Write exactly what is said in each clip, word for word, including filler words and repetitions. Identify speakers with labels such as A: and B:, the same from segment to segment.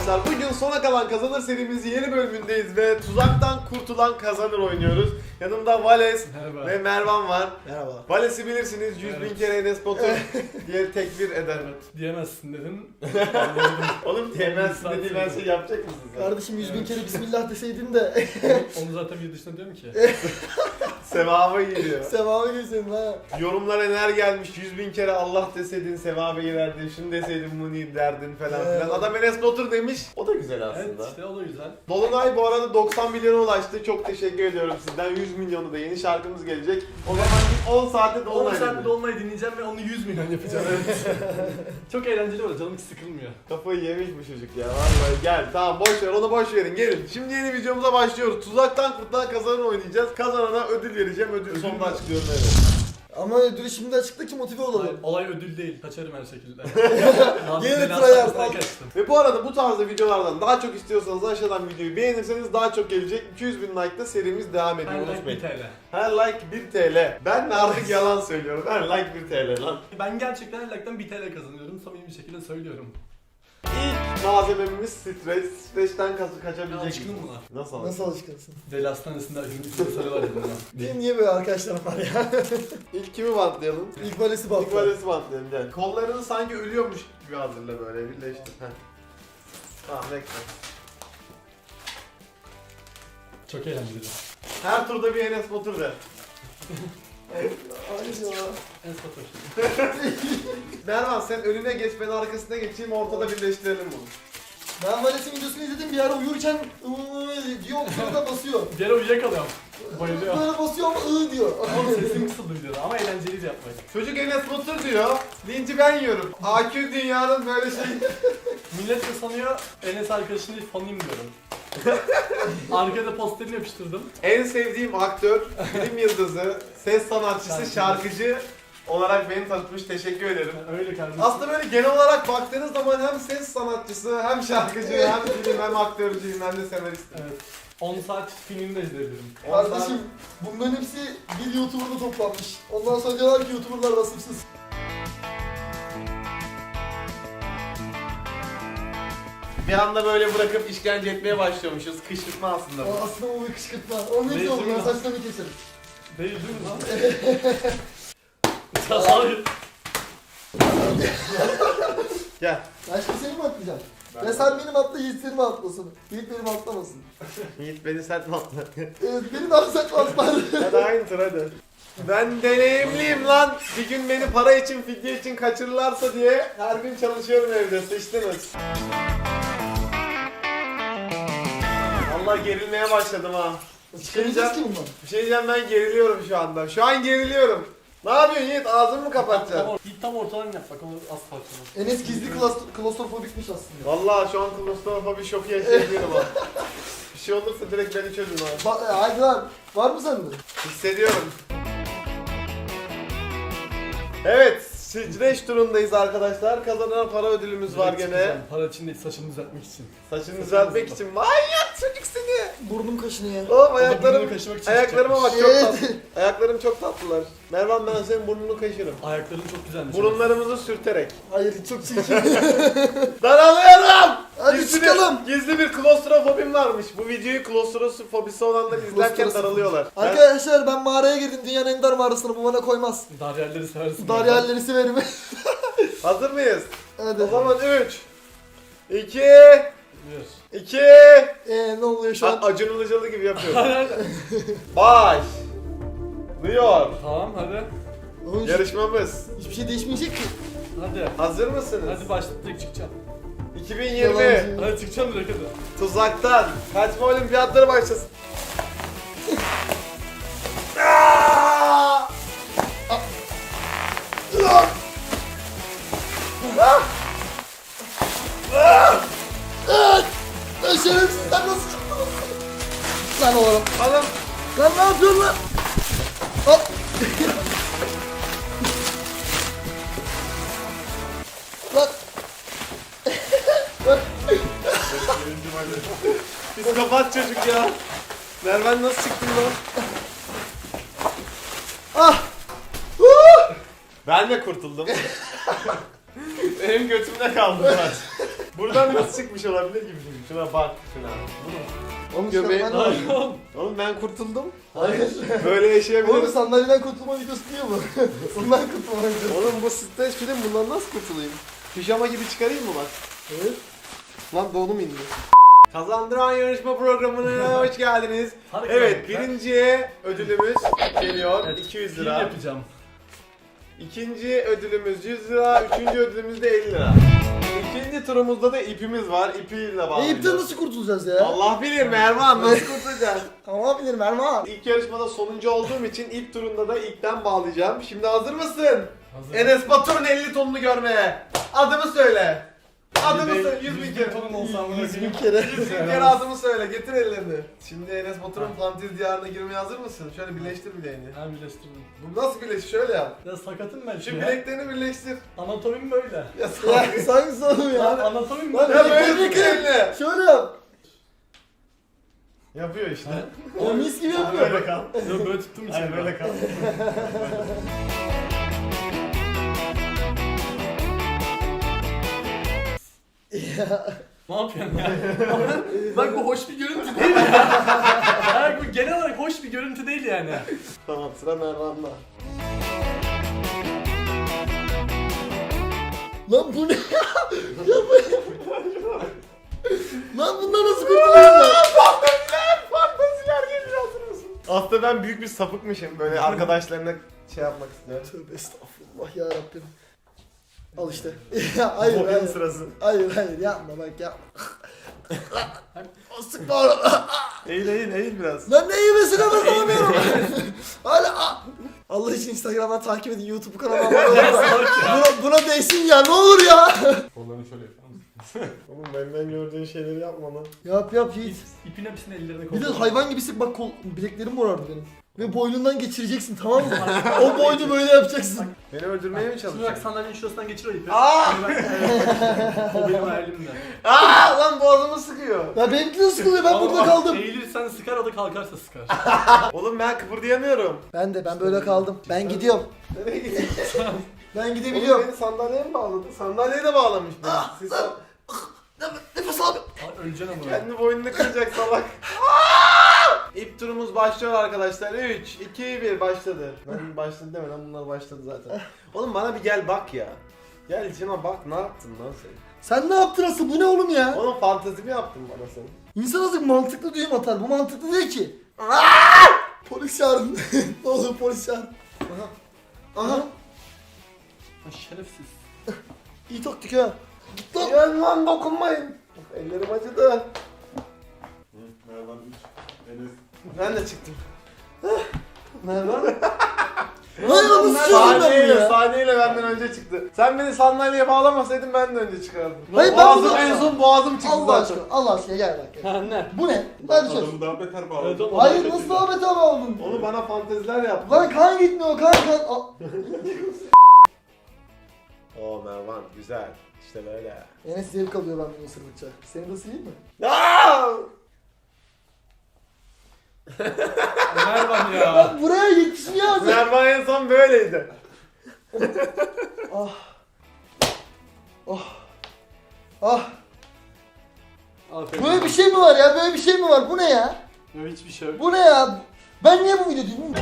A: arkadaşlar. Bugün sona kalan kazanır serimizin yeni bölümündeyiz ve tuzaktan kurtulan kazanır oynuyoruz. Yanımda Vales
B: Merhaba.
A: ve Mervan var.
C: Merhaba.
A: Vales'i bilirsiniz, yüz bin
B: Evet.
A: kere Enes Batur diye tekbir eder.
B: Evet, diyemezsin dedim.
A: Oğlum diyemezsin dediği ben şey yapacak mısın sen?
C: Kardeşim yüz bin kere Bismillah deseydin de
B: Onu zaten bir dışında diyorum ki.
A: Sevaba giriyor.
C: sevabı geçseydin ha.
A: Yorumlara neler gelmiş, yüz bin kere Allah deseydin sevaba girerdin, şunu deseydin Muni derdin falan
C: Evet.
A: filan. Adam Enes Batur demiş, o da güzel
B: Evet
A: aslında.
B: işte o da güzel.
A: Dolunay bu arada doksan milyona ulaştı. Çok teşekkür ediyorum sizden. yüz milyonu da yeni şarkımız gelecek. O zaman on saate
B: on
A: Dolunay
B: saatte
A: dinleyin.
B: dolmayı dinleyeceğim ve onu yüz milyon yapacağım. Evet. Çok eğlenceli olur, canım hiç sıkılmıyor.
A: Kafayı yemiş bu çocuk ya. Vallahi gel. Tamam boş ver, onu boş verin. Gelin. Şimdi yeni videomuza başlıyoruz. Tuzaktan kurtulan kazanır oynayacağız. Kazanana ödül vereceğim. Ödül
B: Ödül
A: sonunda
B: mü?
A: açıklıyorum evet.
C: Ama ödülü şimdi açıkla ki motive
B: Olay,
C: olalım.
B: olay ödül değil, kaçarım her şekilde.
C: Yine
B: Biraz
C: tryhard,
B: saklasına
C: al.
B: kaçtım.
A: Ve bu arada bu tarzda videolardan daha çok istiyorsanız aşağıdan videoyu beğenirseniz daha çok gelecek. iki yüz bin like'da serimiz devam ediyor.
B: Her like
A: Unutmayın.
B: bir T L.
A: Her like bir T L. Ben de artık yalan söylüyorum. Her like bir T L lan.
B: Ben gerçekten her like'tan bir T L kazanıyorum, samimi bir şekilde söylüyorum.
A: İlk malzememiz streç. Streçten kaç kaçabilecek
B: Alışkın
A: misin?
B: mı?
A: Nasıl
C: Nasıl alışkınsın?
B: Deli hastanesinde acının sarı var ya buna.
C: Benim niye böyle arkadaşlarım var ya?
A: İlk kimi bantlayalım?
C: İlk valesi
A: İlk
C: baktı.
A: valesi bantlayalım gel. Kollarını sanki ölüyormuş gibi hazırla böyle birleştir. Heh. Tamam bekle.
B: Çok eğlenceli.
A: Her turda bir Enes Batur de.
C: Hayır ya.
B: En satır.
A: Mervan sen önüne geç ben arkasına geçeyim ortada birleştirelim bunu.
C: Ben valesin videosunu izledim bir ara uyurken ııı diyor sonra da basıyor.
B: Bir ara uyuyakalıyorum. Bayılıyor.
C: Böyle basıyor ama ıı diyor.
B: Ama sesim kısıldı videoda ama eğlenceliydi yapmayı.
A: Çocuk Enes Batur diyor. Linci ben yiyorum. A Q dünyanın böyle şey.
B: Millet de sanıyor Enes arkadaşının değil fanıyım diyorum. Arkada posterini yapıştırdım.
A: En sevdiğim aktör, film yıldızı, ses sanatçısı,
B: Şarkıcı.
A: şarkıcı olarak beni tanıtmış. Teşekkür ederim.
B: Yani öyle kardeşim.
A: Aslında böyle genel olarak baktığınız zaman hem ses sanatçısı, hem şarkıcı, hem film, hem aktörcüyüm, hem de senaristim.
B: Evet. on saat filmini de izleyebilirim.
C: Kardeşim bunların hepsi bir YouTuber'da toplanmış. Ondan sonra diyorlar ki YouTuber'lar vasıfsız.
A: Bir anda böyle bırakıp işkence etmeye başlıyormuşuz. Kışkırtma aslında bu.
C: O aslında o bir kışkırtma. O ne
B: Değil
C: diyor
B: mi
C: ya
B: lan?
C: saçlarını keselim.
B: Değil değil mi lan? Hayır.
A: Gel.
C: Ben şimdi seni mi atlayacağım? Ya sen benim atla Yiğit seni mi atlasın? Yiğit benim atlamasın.
A: Yiğit beni sert mi atla?
C: Evet beni de atsak atlar.
A: Hadi aynı tur hadi. Ben deneyimliyim lan. Bir gün beni para için, fidye için kaçırırlarsa diye her gün çalışıyorum evde. Sıçtınız. Allah gerilmeye başladım ha.
C: Çıkaracağız ki bundan.
A: Bir şey diyeceğim ben geriliyorum şu anda. Şu an geriliyorum. Ne yapıyorsun Yiğit? Ağzını mı kapatacaksın?
B: Tam, Git tam ortadan yap bak onu az parçalı.
C: Enes gizli klas- klostrofobikmiş aslında.
A: Vallahi şu an klostrofobi şoku yaşayabilirim ha. Bir şey olursa direkt beni çözün ha.
C: Ba- e, hadi lan. Var mı sende?
A: Hissediyorum. Evet, Streç turundayız arkadaşlar. Kazanan para ödülümüz var gene.
B: Çıkacağım, para için değil saçımı düzeltmek için.
A: Saçını düzeltmek için. Manyak çocuk seni.
C: Burnum kaşınıyor.
A: Oğlum
B: burnunu
A: ayaklarım,
B: kaşımak için
A: ayaklarıma bak
C: çıkacakmış.
A: çok tatlı. Ayaklarım çok tatlılar. Mervan ben senin burnunu kaşırım.
B: Ayakların çok güzelmiş.
A: Burunlarımızı sürterek.
C: Hayır çok çirkin.
A: Daralıyorum.
C: Hadi
A: Gizli
C: çıkalım.
A: Bir, gizli bir klostrofobim varmış. Bu videoyu klostrofobisi olanlar izlerken
C: Klostrofobi.
A: daralıyorlar. Ben-
C: Arkadaşlar ben mağaraya girdim. Dünyanın en dar mağarasına bu bana koymaz.
B: Daryalleri seversin.
C: Daryalleri severim.
A: Hazır mıyız?
C: Hadi.
A: O zaman üç, iki,
B: Bir.
A: iki,
C: Eee ne oluyor şu an?
A: Acun Ilıcalı gibi yapıyorum. Baş. Duyuyor.
B: Tamam hadi.
C: Oğlum,
A: Yarışmamız.
C: hiçbir şey değişmeyecek ki.
B: Hadi.
A: Hazır mısınız?
B: Hadi başla direkt çıkacağım.
A: iki bin yirmi
C: Yalancı.
B: Hadi çıkacağım direkt hadi.
A: Tuzaktan kaçma olimpiyatları başlasın. Aa!
C: Lan şerefsiz sen nasıl çıktın? Lan oğlum.
A: Alın.
C: Lan ne yapıyorsun lan? Hop. Lan.
A: Psikopat çocuk ya. Mervan nasıl çıktın lan?
C: Ah.
A: Ben de kurtuldum. Benim götümde kaldı maç. Buradan nasıl çıkmış olabilir gibi. Şuna bak şuna.
C: Onu
A: Göbeği-
C: çıkartman lazım.
A: Oğlum ben kurtuldum.
C: Hayır.
A: Böyle yaşayabilirim.
C: Oğlum sandalyeden kurtulma videosu değil bu. Bundan kurtulma videosu.
A: Oğlum bu stres film, bundan nasıl kurtulayım? Pijama gibi çıkarayım mı bak?
C: Evet.
A: Lan donum indi. Kazandıran yarışma programına hoş geldiniz.
B: Hadi
A: Evet,
B: kanka.
A: birinci ödülümüz geliyor.
B: Evet,
A: iki yüz
B: film
A: lira.
B: yapacağım.
A: İkinci ödülümüz yüz lira. Üçüncü ödülümüz de elli lira. İkinci turumuzda da ipimiz var. İpiyle
C: E ipten
A: bağlayacağız.
C: nasıl kurtulacağız ya?
A: Allah bilir Mervan, nasıl kurtulacağız?
C: Ama bilirim Erman.
A: İlk yarışmada sonuncu olduğum için ilk turunda da ilkten bağlayacağım. Şimdi hazır mısın?
B: Hazır.
A: Enes Batur'un elli tonunu görmeye. Adımı söyle. Adımı
B: Bir de
A: söyle. yüz bin
B: yüz
A: kere.
B: tonum olsam bunu
C: Yüz bin
B: yapayım.
C: kere.
A: yüz bin kere adımı söyle. Getir ellerini. Şimdi Enes Batur'un fantezi diyarına girmeye hazır mısın? Şöyle birleştir bileğini.
B: Ben birleştirdim.
A: Bu nasıl birleşir? Şöyle yap.
B: Ya sakatım ben
A: Şu
B: şimdi.
A: bileklerini birleştir.
B: Anatomim böyle.
A: Ya
C: Ya
A: sağ
C: sanki sorun
B: Ya
C: ya.
B: anatomim
C: Lan
B: böyle.
A: Ya böyle
C: Bilekleri-
A: tut elini.
C: Şöyle yap.
A: Yapıyor işte.
C: O mis gibi
A: Böyle
C: yapıyor.
A: kal.
B: Yok böyle tuttum için.
A: Hayır böyle kal.
B: Ne yapıyorsun ya? Bak bu hoş bir görüntü değil ya. Yani bu genel olarak hoş bir görüntü değil yani.
A: Tamam, sıra Mervan'da.
C: Lan bu ne ya? Ya bu Lan bundan nasıl kurtulacağız lan?
A: Fantaziler, fantaziler geliyor, hazır mısın? Aslında ben büyük bir sapıkmışım. Böyle arkadaşlarına şey yapmak istiyorum.
C: Tövbe estağfurullah ya Rabbim. Al işte. Ya hayır
A: Bugün
C: hayır.
A: sırası.
C: Hayır hayır yapma bak yapma. O sıkma onu.
A: Eğil eğil eğil biraz.
C: Lan ne yemesine basamıyorum. Hala a- Allah için Instagram'dan takip edin, YouTube kanalıma abone olun. Buna, buna değsin ya, ne olur ya.
B: Kollarını şöyle yapalım.
A: Oğlum benden gördüğün şeyleri yapma lan.
C: Yap yap Yiğit.
B: İpin hepsini ellerine
C: Bir de
B: koydum.
C: hayvan gibisin bak, kol, bileklerim morardı benim. Ve boynundan geçireceksin, tamam mı? O boynu böyle yapacaksın.
A: Beni öldürmeye mi
B: Şimdi bak
A: çalışıyorsun?
B: sandalyenin şurasından geçir o ipi.
A: Aa!
B: Şimdi ben- evet, o benim hayalimde.
A: Aa lan boğazımı sıkıyor.
C: Ya benimki de sıkılıyor, ben burada
B: Ama
C: kaldım.
B: Eğilirsen sıkar, o da kalkarsa sıkar.
A: Oğlum ben kıpırdayamıyorum.
C: Ben de ben böyle kaldım. Ben gidiyorum.
A: Nereye gidiyorsun?
C: Ben
A: Oğlum
C: gidebiliyorum.
A: beni sandalyeye mi bağladın? Sandalyeye de bağlamış beni. Siz
C: Nefes al.
B: Aa, öleceksin ama.
A: kendi boynunu kıracak salak. İlk turumuz başlıyor arkadaşlar. üç, iki, bir başladı. Ben başladı demeden bunlar başladı zaten. Oğlum bana bir gel bak ya. Gel içime bak, ne yaptın lan sen?
C: Sen ne yaptın asıl? Bu ne oğlum ya?
A: Oğlum fantezi mi yaptın bana sen?
C: İnsan azıcık mantıklı düğüm atar. Bu mantıklı değil ki. Polis çağırın. Ne olur polis çağırın. Aha. Aha.
B: Ha, şerefsiz.
C: İyi taktik ha. Git lan.
A: Gel lan dokunmayın. Ellerim acıdı. Merhaba üç. Enes. Ben de çıktım.
C: Merhaba. Hayır nasıl çözüm ben bunu
A: Saniyeyle,
C: ya?
A: saniyeyle benden önce çıktı. Sen beni sandalyeye bağlamasaydın ben de önce çıkardım.
C: Hayır, ben
A: boğazım
C: bunu-
A: en son boğazım çıktı
C: Allah
A: zaten.
C: aşkına. Allah aşkına gel bak. Gel.
B: Ha ne?
C: Bu ne? Hadi çöz.
D: Adamı daha beter bağladı.
B: Evet, oğlum.
C: Hayır nasıl daha beter oldun?
A: Onu bana fanteziler yaptı.
C: Lan kan gitmiyor kan kan. Aa,
A: Oo Mervan güzel. İşte böyle.
C: Enes zevk alıyor ben bunu ısırdıkça. Senin de ısırayım mı?
A: Aa!
B: Mervan ya.
C: Lan buraya yetişmiyor artık.
A: Mervan en son böyleydi.
C: Ah. Oh. Ah.
B: Aferin.
C: Böyle bir şey mi var ya? Böyle bir şey mi var? Bu ne ya?
B: Yok, hiçbir şey yok.
C: Bu ne ya? Ben niye bu video değilim?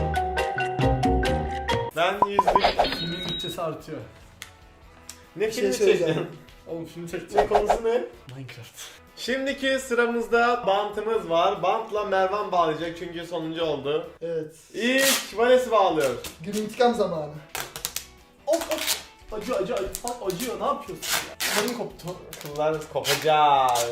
A: Ben yüzlük.
B: Filmin bütçesi artıyor.
A: Ne
C: Bir şey
A: filmi
C: söyleyeceğim.
A: çektin?
B: Oğlum film
A: Ne
B: çekeceğim.
A: konusu ne?
B: Minecraft.
A: Şimdiki sıramızda bantımız var. Bantla Mervan bağlayacak çünkü sonuncu oldu.
C: Evet.
A: İlk Vanessa bağlıyor.
C: Gün intikam zamanı.
B: Of of. Acı acı acı. Bak acıyor, ne yapıyorsun ya? Kıllarım koptu.
A: Kıllarınız kopacak.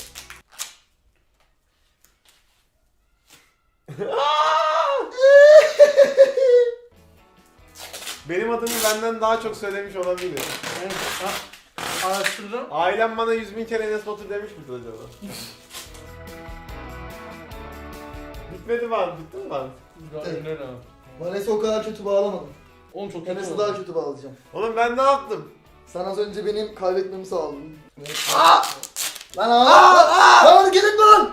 A: Benim adımı benden daha çok söylemiş olabilir.
B: Evet. Ha, araştırdım.
A: Ailem bana yüz bin kere Enes Batur demiş midir acaba? Bitmedi mi abi? Bitti mi lan?
B: Gayet öyle.
C: Vanessa o kadar kötü bağlamadım.
B: Oğlum çok kötü
C: Enes'i
B: oldu.
C: daha kötü bağlayacağım.
A: Oğlum ben ne yaptım?
C: Sen az önce benim kaybetmemi sağladın. Aa! Lan aa! Lan hareket etme lan!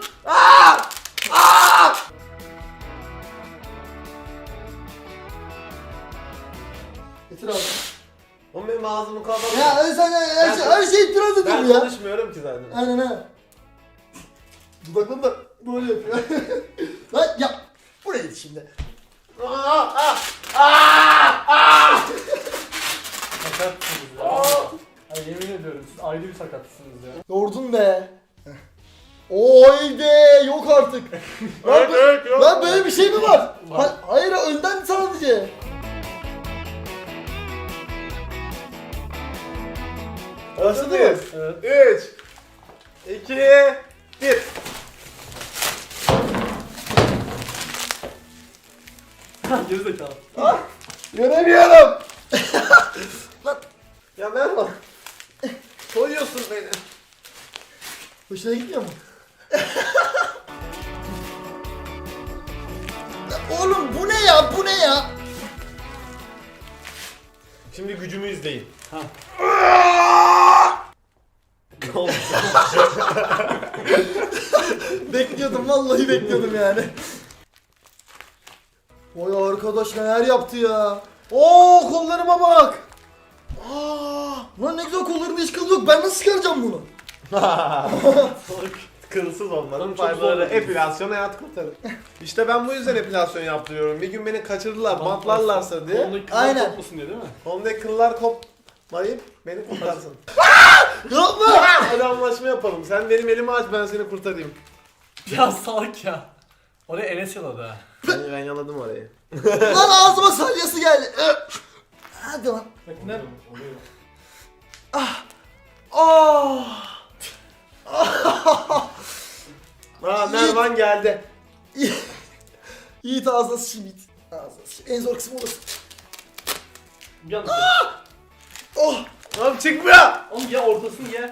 C: Getir abi.
A: Oğlum benim ağzımı kapalı.
C: Ya sen her, şey, her şey itiraz
A: Ben
C: ediyorum ya.
A: konuşmuyorum ki.
C: Aynen ha. Dudaklarını da böyle yapıyor. Lan ya. Buraya git şimdi.
B: Sakatsınız ya. Ay, yemin ediyorum siz ayrı bir sakatsınız ya.
C: Yordun be. Oy de yok artık. Lan,
A: Evet, evet, yok.
C: lan böyle bir şey mi var?
B: Var.
C: Ha- hayır önden sadece.
A: Başladı mı?
B: Evet.
A: üç, iki, bir.
B: Gerizekalı.
A: Göremiyorum. Ya Mervan. Soyuyorsun beni.
C: Hoşuna gitmiyor mu? Ya oğlum bu ne ya? Bu ne ya?
A: Şimdi gücümü izleyin.
B: Ha.
C: Bekliyordum vallahi bekliyordum yani. Vay arkadaş neler yaptı ya.
A: Oo kollarıma bak.
C: Aa, lan ne güzel kollarında hiç kıl yok. Ben nasıl çıkaracağım bunu?
A: Kılsız olmanın
B: Çok
A: faydaları.
B: zor.
A: Epilasyon hayat kurtarır. İşte ben bu yüzden epilasyon yaptırıyorum. Bir gün beni kaçırırlar, bantlarlarsa diye.
B: Kolundaki kıllar
C: Aynen.
B: kopmasın diye değil mi?
A: Kolumdaki kıllar kopmayıp beni kurtarsın.
C: Yapma.
A: Hadi anlaşma yapalım. Sen benim elimi aç, ben seni kurtarayım.
B: Ya salak ya. Oraya Enes yaladı ha.
A: Ben, ben yaladım orayı.
C: Lan ağzıma salyası geldi. Hadi lan.
B: Bak ne?
C: Ah. Oh.
A: Aa Mervan geldi.
C: Yiğit ağzına sıçayım Yiğit. Ağzına sıçayım. En zor kısmı orası.
B: Bir anda
C: Oh.
A: Oğlum çıkmıyor.
B: Oğlum ya ortasını ye.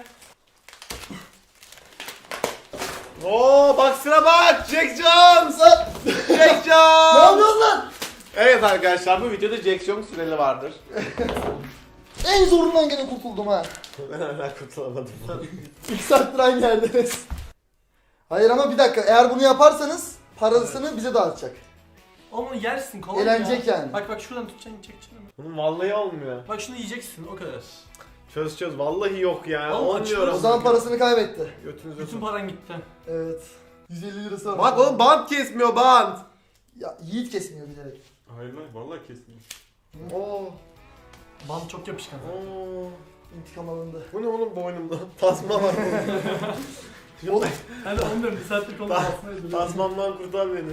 A: Oo bak sıra bak. Jack Jones.
C: Lan.
A: Jack
C: Ne
A: Jones.
C: yapıyorsun lan?
A: Evet arkadaşlar bu videoda Jack Jones süreli vardır.
C: En zorundan gene kurtuldum ha.
A: Ben hala kurtulamadım.
C: İki saattir aynı yerdeniz. Hayır ama bir dakika. Eğer bunu yaparsanız parasını bize dağıtacak.
B: Oğlum onu yersin kolay
C: Eğlenecek
B: ya.
C: yani.
B: Bak bak şuradan tutacaksın çekeceksin.
A: Bunun vallahi olmuyor.
B: Bak şunu yiyeceksin o kadar.
A: Çöz çöz vallahi yok ya.
B: Oğlum,
A: Olmuyor.
C: O zaman parasını kaybetti.
A: Götünüzü
B: Bütün paran gitti.
C: Evet. yüz elli lirası var.
A: Bak oğlum bant kesmiyor bant.
C: Ya Yiğit kesmiyor bilerek.
D: Hayır lan vallahi kesmiyor.
A: Oo.
B: Bant çok yapışkan.
A: Oo.
C: İntikam alındı.
A: Bu ne oğlum boynumda? Tasma var burada.
C: Oğlum.
B: Hadi onu diyorum bir saattir konu
A: Ta-
B: basmaya duruyorum.
A: Tasmamdan kurtar beni.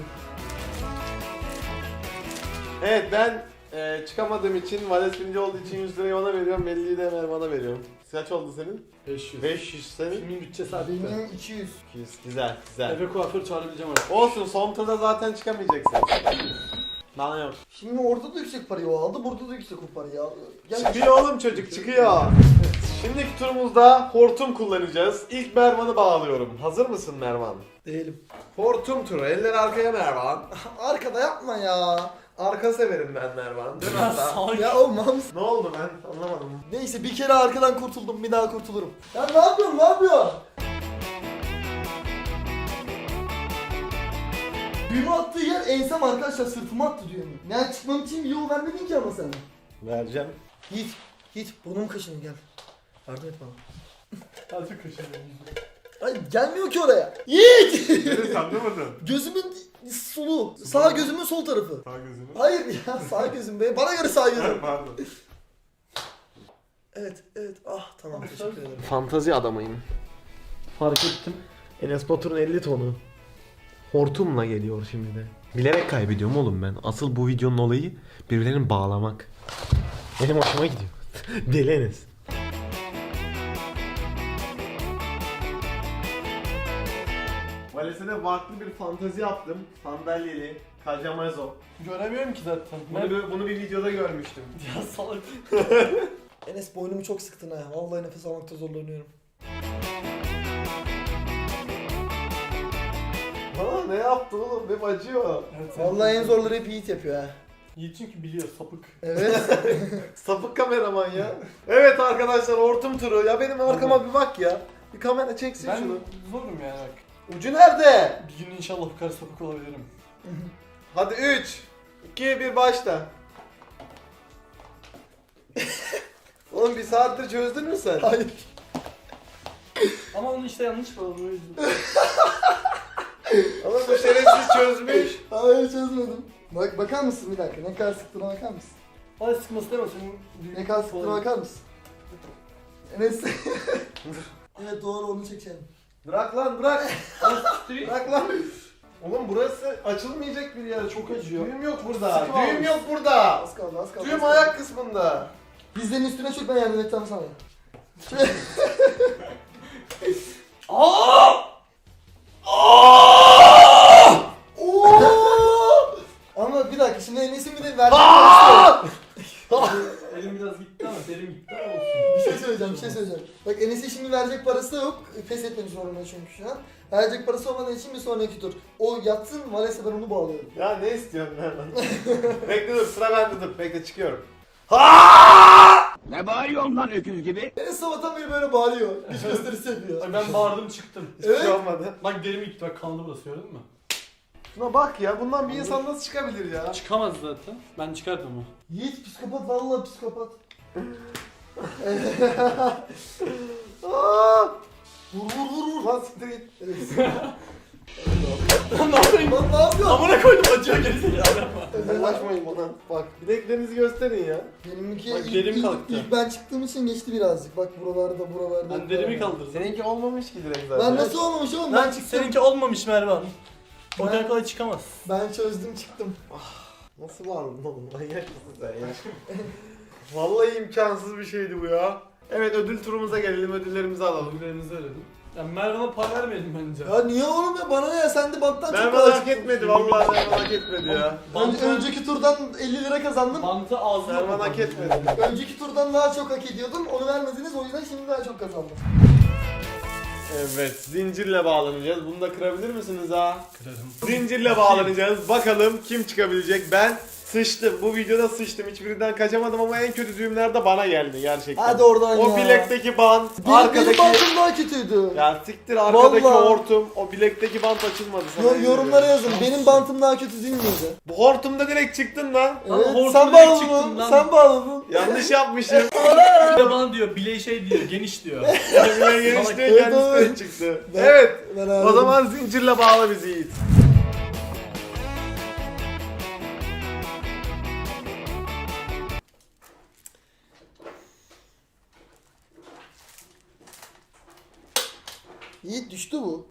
A: Evet ben e, çıkamadığım için, Vales birinci olduğu için yüz lirayı ona veriyorum, elliyi de Mervan'a veriyorum. Kaç oldu senin?
B: beş yüz.
A: beş yüz senin.
B: Filmin bütçesi arttı.
C: Benim iki yüz.
A: iki yüz. Güzel güzel.
B: Eve kuaför çağırabileceğim artık.
A: Olsun son turda zaten çıkamayacaksın. Bana yok.
C: Şimdi orada da yüksek parayı o aldı, burada da yüksek o parayı aldı. Gel.
A: Çıkıyor oğlum çocuk çıkıyor. Şimdiki turumuzda hortum kullanacağız. İlk Mervan'ı bağlıyorum. Hazır mısın Mervan?
C: Değilim.
A: Hortum turu. Eller arkaya Mervan.
C: Arkada yapma ya.
A: Arka severim ben Mervan. Dön
B: Ya
A: hatta.
B: salak.
C: Ya olmam.
A: Ne oldu ben anlamadım.
C: Neyse bir kere arkadan kurtuldum, bir daha kurtulurum. Ya ne yapıyorsun, ne yapıyorsun? Düğümü attığı yer ensem arkadaşlar, sırtıma attı düğümü. Yani çıkmam için bir yol vermedin ki ama sen.
A: Vereceğim.
C: Yiğit, Yiğit burnum kaşınıyor gel. Yardım et bana.
B: Azıcık kaşınıyorum.
C: Ay gelmiyor ki oraya. Yiğit!
D: Neresi anlamadın?
C: Gözümün solu. Sağ gözümün sol tarafı.
D: Sağ gözünü.
C: Hayır ya sağ gözüm be. Bana göre sağ gözüm.
D: Pardon.
C: Evet, evet. Ah tamam teşekkür ederim.
A: Fantazi adamıyım.
B: Fark ettim.
A: Enes Batur'un elli tonu. Hortumla geliyor şimdi de. Bilerek kaybediyorum oğlum ben. Asıl bu videonun olayı birbirlerini bağlamak. Benim hoşuma gidiyor. Deli Enes. Valesine farklı bir fantazi yaptım. Sandalyeli, kajamazo.
B: Göremiyorum ki zaten.
A: Bunu, bir- bunu bir videoda görmüştüm.
B: Ya salak.
C: Enes boynumu çok sıktın ha. Vallahi nefes almakta zorlanıyorum.
A: Aa ne yaptın oğlum? Benim acıyor.
B: Evet,
C: Vallahi en zorları hep Yiğit yapıyor ha.
B: Yiğit çünkü biliyor sapık.
C: Evet.
A: Sapık kameraman ya. Evet arkadaşlar hortum turu. Ya benim arkama bir bak ya. Bir kamera çeksin
B: Ben
A: şunu.
B: zorum yani bak.
A: Ucu nerede?
B: Bir gün inşallah bu kadar sapık olabilirim.
A: Hadi üç, iki, bir başla. Oğlum bir saattir çözdün mü sen?
C: Hayır.
B: Ama onu işte yanlış bağladım o yüzden.
A: Ama bu şerefsiz çözmüş.
C: Hayır çözmedim. Bak bakar mısın bir dakika? Ne kadar sıktığına bakar mısın?
B: Hadi sıkması deme senin büyük
C: Ne kadar sıktığına
B: falan.
C: bakar mısın? Enes. Evet doğru onu çekelim.
A: Bırak lan bırak. Bırak lan. Oğlum burası açılmayacak bir yer. Çok acıyor. Düğüm yok burada.
C: Sıkı
A: Düğüm
C: olmuş.
A: yok burada.
C: Az kaldı az kaldı. az
A: Düğüm
C: kaldı.
A: ayak kısmında.
C: Dizlerin üstüne çök ben yardım edeceğim sana.
B: Aa!
C: Oo! Ama bir dakika şimdi Enes'in bir de verdiği parası yok.
B: Elim biraz gitti ama derim gitti ama olsun.
C: Bir şey söyleyeceğim bir şey söyleyeceğim. Bak Enes'in şimdi verecek parası da yok. Pes etmek zorunda çünkü şu an. Verecek parası olmadığı için bir sonraki tur. O yatsın Vales'e ben onu bağlıyorum.
A: Ya ne istiyorsun lan? Bekle dur sıra bende dur. Bekle çıkıyorum.
E: Ne bağırıyorsun lan öküz gibi?
C: Enes sabahtan beri böyle bağırıyor. Güç gösterisi yapıyor.
B: Ay ben bağırdım çıktım.
A: Hiçbir
C: Evet.
A: şey olmadı.
B: Bak derim gitti bak kandı burası gördün mü?
A: Şuna bak ya bundan bir insan nasıl çıkabilir ya?
B: Çıkamaz zaten. Ben çıkardım onu.
C: Yiğit psikopat vallahi psikopat.
A: Aa! Vur vur vur vur lan siktir git.
B: Lan ne yapayım?
C: Lan ne yapıyorsun?
B: Amına koydum acıyor gerizekalı.
A: Yaklaşmayın bana. Bak bileklerinizi gösterin ya.
C: Benimki
B: Bak,
C: ilk,
B: derim
C: ilk,
B: kalktı.
C: ilk ben çıktığım için geçti birazcık. Bak buralarda buralarda.
B: Ben derimi kaldırdım.
A: Seninki olmamış ki direkt zaten.
C: Ben nasıl olmamış oğlum? Ben
B: Lan
C: çıktım.
B: seninki olmamış Mervan. O
C: Ben-
B: kadar kolay çıkamaz.
C: Ben çözdüm çıktım.
A: Nasıl bağladın oğlum? Manyak mısın sen ya? Vallahi imkansız bir şeydi bu ya. Evet ödül turumuza gelelim, ödüllerimizi alalım.
B: Ödüllerinizi verelim. Ya Mervan'a para vermeyelim bence.
C: Ya niye oğlum ya? Bana ne ya? Sen de banttan çok
A: Mervan
C: kolay
A: hak
C: çıktın.
A: etmedi vallahi Mervan hak etmedi ya.
C: Önce, önceki turdan elli lira kazandım.
B: Bantı ağzına
A: Mervan hak etmedi.
C: Önceki turdan daha çok hak ediyordum. Onu vermediniz o yüzden şimdi daha çok kazandım.
A: Evet zincirle bağlanacağız. Bunu da kırabilir misiniz ha?
B: Kırarım.
A: Zincirle bağlanacağız. Bakalım kim çıkabilecek. Ben sıçtım. Bu videoda sıçtım. Hiçbirinden kaçamadım ama en kötü düğümler de bana geldi gerçekten.
C: Hadi oradan
A: O
C: ya.
A: bilekteki bant,
C: Benim,
A: arkadaki...
C: benim bantım daha kötüydü.
A: Ya siktir arkadaki
C: Vallahi.
A: hortum, o bilekteki bant açılmadı sana.
C: Yo-
A: yemin
C: yorumlara
A: ediyorum.
C: yazın. Benim bantım daha kötü değil miydi?
A: Bu hortumda direkt çıktın lan.
B: Lan
C: Evet,
B: hortumda
C: sen
B: direkt
C: bağladın
B: çıktın
C: mı?
B: lan.
C: Sen bağladın.
A: Yanlış yapmışım.
B: Bir de bana diyor bileği şey diyor geniş diyor.
A: Bile genişliğe
C: Evet,
A: kendisi de
C: evet.
A: çıktı.
C: Ben-
A: Evet.
C: Ben
A: O
C: ağladım.
A: zaman zincirle bağla bizi Yiğit.
C: Yiğit düştü bu.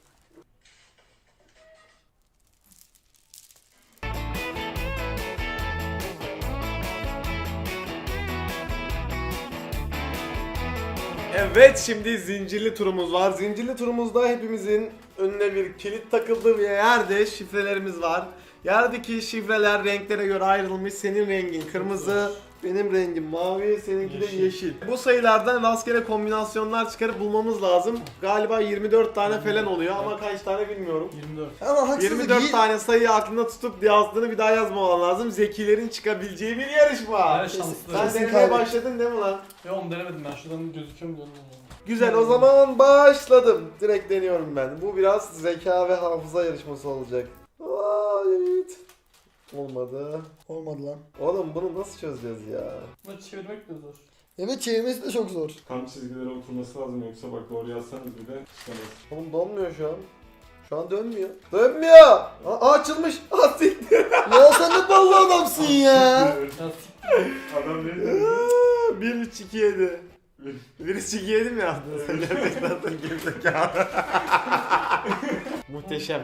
A: Evet şimdi zincirli turumuz var. Zincirli turumuzda hepimizin önüne bir kilit takıldı ve yerde şifrelerimiz var. Yerdeki şifreler renklere göre ayrılmış. Senin rengin kırmızı, benim rengim mavi, seninki de
B: Yeşil.
A: yeşil. Bu sayılardan rastgele kombinasyonlar çıkarıp bulmamız lazım. Galiba yirmi dört tane falan oluyor ama kaç tane bilmiyorum.
B: yirmi dört.
C: Ama haksızlık
A: yirmi dört
C: Yiğit.
A: tane sayıyı aklında tutup yazdığını bir daha yazmaman lazım. Zekilerin çıkabileceği bir yarışma.
B: Her şanslı.
A: Sen
C: Kesin
A: denemeye
C: kaybettim.
A: başladın değil mi lan?
B: Yo onu denemedim ben şuradan gözüküyor mu diyorum.
A: Güzel o zaman başladım. Direkt deniyorum ben. Bu biraz zeka ve hafıza yarışması olacak. Aa, evet. Olmadı.
C: Olmadı lan.
A: Oğlum bunu nasıl çözeceğiz ya?
B: Bunu çevirmek de zor.
C: Evet çevirmesi de çok zor.
D: Tam çizgilere oturması lazım yoksa bak doğru yazsanız bile çıkamaz.
A: Oğlum donmuyor şu an. Şu an dönmüyor. Dönmüyor. Aa, açılmış. Aa siktir.
C: Ya sen ne ballı adamsın ya.
B: Ya
D: Adam ne
A: Aa, bir üç iki yedi. bir üç iki yedi mi yaptın sen? Gerçekten sen gerizekalı. Muhteşem.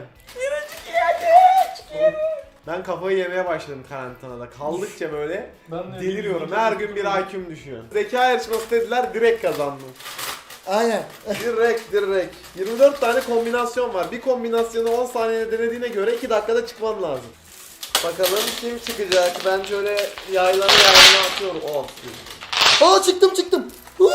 A: Ben kafayı yemeye başladım karantinada. Kaldıkça böyle
B: ben de
A: deliriyorum. Her gün bir I Q'm düşüyor. Zeka yarışması dediler, direkt kazandım.
C: Aynen.
A: Direkt direkt. yirmi dört tane kombinasyon var. Bir kombinasyonu on saniyede denediğine göre iki dakikada çıkman lazım. Bakalım kim çıkacak? Ben şöyle yaylanı yaylanı atıyorum. Oh.
C: Aa çıktım çıktım.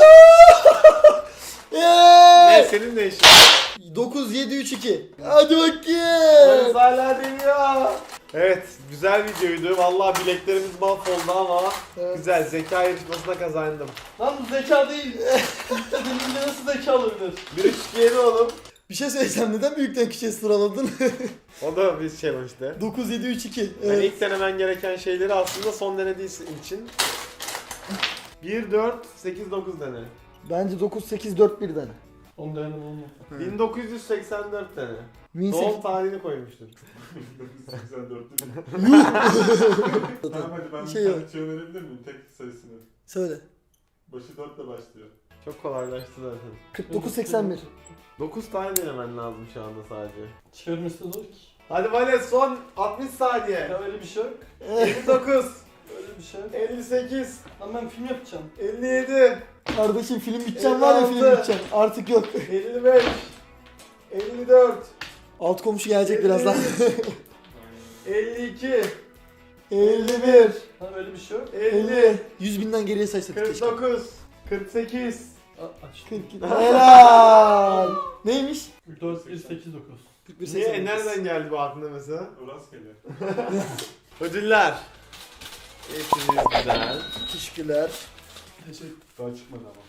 A: Ne
C: Yeee.
A: senin ne işin?
C: dokuz yedi üç iki. Hadi
A: Polis
C: bakayım.
A: hala deniyor. Evet, güzel videoydu. Vallahi bileklerimiz mahvoldu ama
C: Evet.
A: güzel. Zeka yarışmasına kazandım.
B: Lan bu zeka değil. Dediğimde nasıl zeka olabilir?
A: bir üç iki yedi oğlum.
C: Bir şey söyleyeceğim. Neden büyükten küçüğe sıraladın?
A: O da bir challenge'dı.
C: dokuz yedi üç iki.
A: Yani
C: Evet.
A: ilk denemen gereken şeyleri aslında son denediği için bir dört sekiz dokuz dene.
C: Bence dokuz sekiz dört bir dene.
B: Onu dayanım olmadı.
A: bin dokuz yüz seksen dört tane.
C: bin
A: Doğum tarihini koymuştur.
D: bin dokuz yüz seksen dörtte mi?
C: sekiz-
D: Tamam hadi ben
C: Şey
D: bir
C: yok.
D: tane şey önerebilir miyim? Tek sayısını.
C: Söyle.
D: Başı dörtle başlıyor.
A: Çok kolaylaştı zaten.
C: kırk dokuz seksen bir.
A: dokuz tane denemen lazım şu anda sadece.
B: Çevirmesi de zor ki.
A: Hadi Vales son altmış saniye.
B: Ya öyle bir şey yok.
A: elli dokuz,
B: Öyle bir şey yok.
A: elli sekiz,
B: Lan ben film yapacağım.
A: elli yedi,
C: Kardeşim film biteceğim var ya film
A: elli altı.
C: biteceğim. Artık yok.
A: elli beş, elli dört,
C: Alt komşu gelecek birazdan.
A: elli iki,
C: elli bir.
B: Lan öyle bir şey yok.
A: elli,
C: yüz binden geriye saysak
A: kırk
C: keşke.
A: dokuz, kırk sekiz.
B: A- Aç.
C: kırk Helal. Neymiş?
B: dört, bir, sekiz, dokuz.
C: kırk bir
A: Niye?
C: seksen dokuz.
A: Nereden geldi bu aklına mesela?
D: O rastgele.
A: Ödüller. Hepiniz güzel.
C: Teşekkürler.
B: Teşekkür.
D: Daha çıkmadı ama.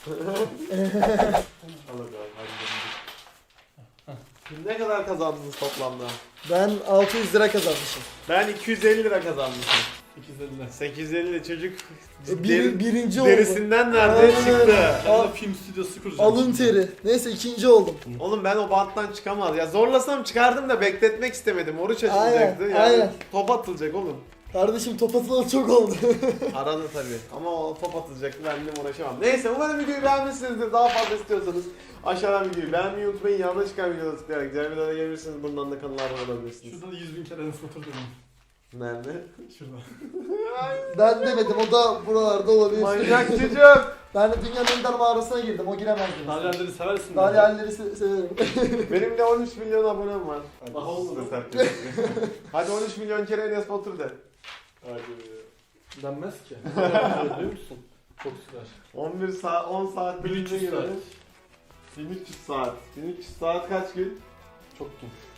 D: Al hadi abi. Hadi
A: Ne kadar kazandınız toplamda?
C: Ben altı yüz lira kazanmışım.
A: Ben iki yüz elli lira kazanmışım.
B: sekiz elli.
A: sekiz yüz elli çocuk
C: E, Bir,
A: deri-
C: birinci oldum.
A: derisinden nerede
C: Aynen.
A: çıktı?
B: Ben de film stüdyosu kuracağım.
C: Alın teri. Neyse ikinci oldum.
A: Oğlum ben o banttan çıkamaz. Ya zorlasam çıkardım da bekletmek istemedim. Oruç açılacaktı.
C: Aynen,
A: Yani
C: aynen.
A: top atılacak oğlum.
C: Kardeşim top atılalı çok oldu.
A: Arada tabii. Ama o top atılacaktı, ben de uğraşamam. Neyse umarım videoyu beğenmişsinizdir. Daha fazla istiyorsanız aşağıdan videoyu beğenmeyi unutmayın. Yanına çıkan videoları tıklayarak diğer videolara gelebilirsiniz. Bundan da kanala abone olabilirsiniz.
B: Şurada da yüz bin kere Enes Batur dedim.
A: Nerede?
B: Şurada.
C: Ben demedim o da buralarda olabilir.
A: Manyak çocuk.
C: Ben de dünyanın en dar mağarasına girdim o giremez dedim.
B: Dalyanları seversin.
C: Dalyanları se- severim.
A: Benim de on üç milyon abonem var.
D: hadi.
B: Daha
D: Hadi siz
B: olmadı.
D: de terk edin.
A: Hadi on üç milyon kere Enes Batur de.
D: Hadi.
B: Denmez ki. Biliyor musun? Çok sürer.
A: on bir saat, on saat
B: bin üç yüz
A: bilince
B: saat.
A: göre bin üç yüz saat. bin üç yüz saat kaç gün?
B: Çok gün.